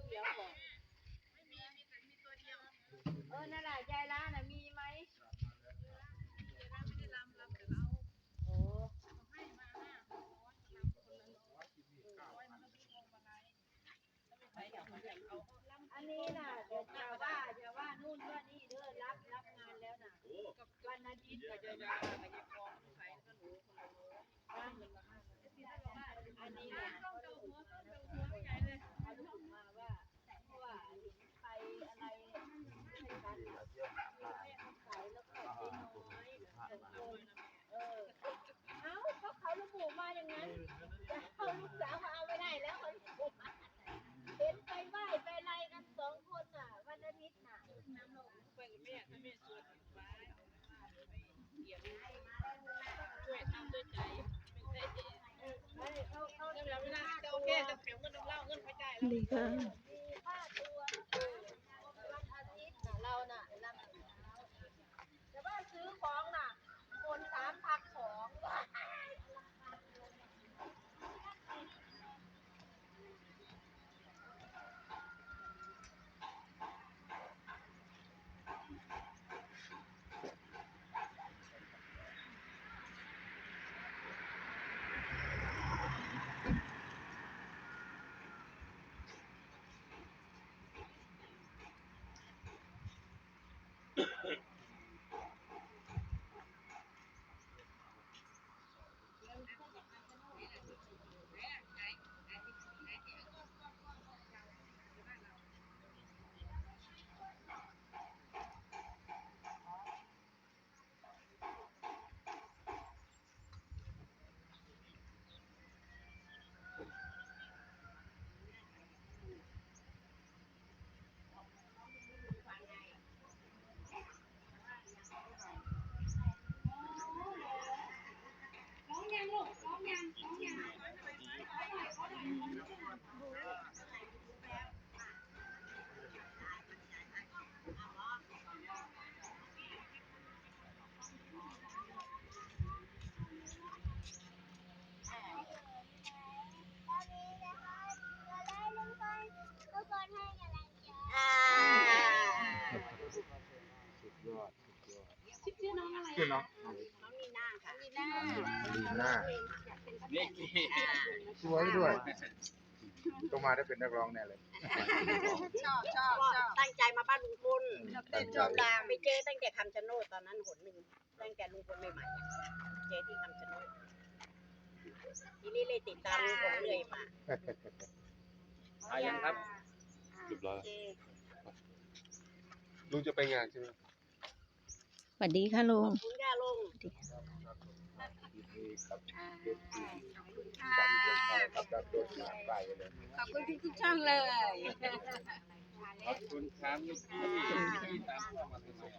เดี๋ยวบอกนั่นแหละยายล้าน่ะมีไหมโอ้อันนี้น่ะเดี๋ยวจะว่านู่นว่านี่เด้อรับงานแล้วน่ะวันอาทิตย์ก็จะอันนี้น่ะเขาระบุมาว่าเพราะว่าเห็นไปอะไรให้กันใส่แล้วก็เจ๊น้อยเขาระบุมาอย่างนั้นจะเอาลูกสาวมาเอาไม่ได้แล้วเขาระบุมาเห็นไปไหว้ไปอะไรกันสองคนน่ะวันอาทิตย์น่ะไปกับแม่ถ้าแม่ชวนไปช่วยทำด้วยใจไม่ใช่เขาเวลาจะโอเคจะแถมเงินเล่าเงินไปจ่ายแล้วดีค่ะมีค่าตัววันอาทิตย์น่ะเราน่ะแต่ว่าซื้อของน่ะคน3 พัก2ชื่อน้องอะไรชื่อน้องลีน่าค่ะลีน่านี่สวยด้วยต้องมาได้เป็นนักร้องแน่เลยชอบตั้งใจมาบ้านลุงพลชอบดาไปเจอตั้งแต่คำชะโนดตอนนั้นหนหนึ่งตั้งแต่ลุงพลใหม่ๆเจอที่คำชะโนดทีนี้เลยติดตามลุงพลเลยมายังครับเรียบร้อยลุงจะไปงานใช่ไหมสวัสดีค่ะลุงขอบคุณค่ะลุงขอบคุณทุกช่องเลยขอบคุณครับที่ตามเข้ามาทำไม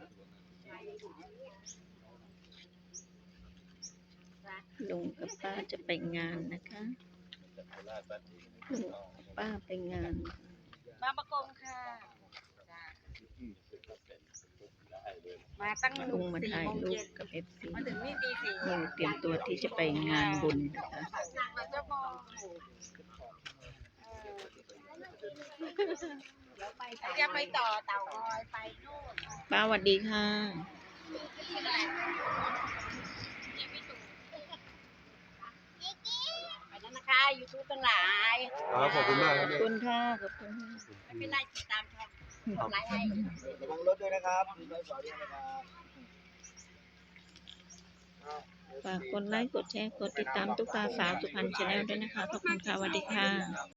ลุงกับป้าจะไปงานนะคะลุงป้าไปงานมาประกงค่ะมาตั้งลุงมาถ่ายรูปกับFC มาถึงนี่ตี4 ลุงเตรียมตัวที่จะไปงานบุญนะคะจะไปต่อเต่างอยไปนู่นป้าสวัสดีค่ะไปแล้วนะคะยูทูบทั้งหลายขอบคุณมากครับขอบคุณค่ะขอบคุณไม่เป็นไรติดตามช่องไลน์ให้ระวังรถด้วยนะครับมีรถจอดด้วยนะครับฝากกดไลค์กดแชร์กดติดตามตุ๊กตาสาวสุพรรณชาแนลด้วยนะคะขอบคุณค่ะสวัสดีค่ะ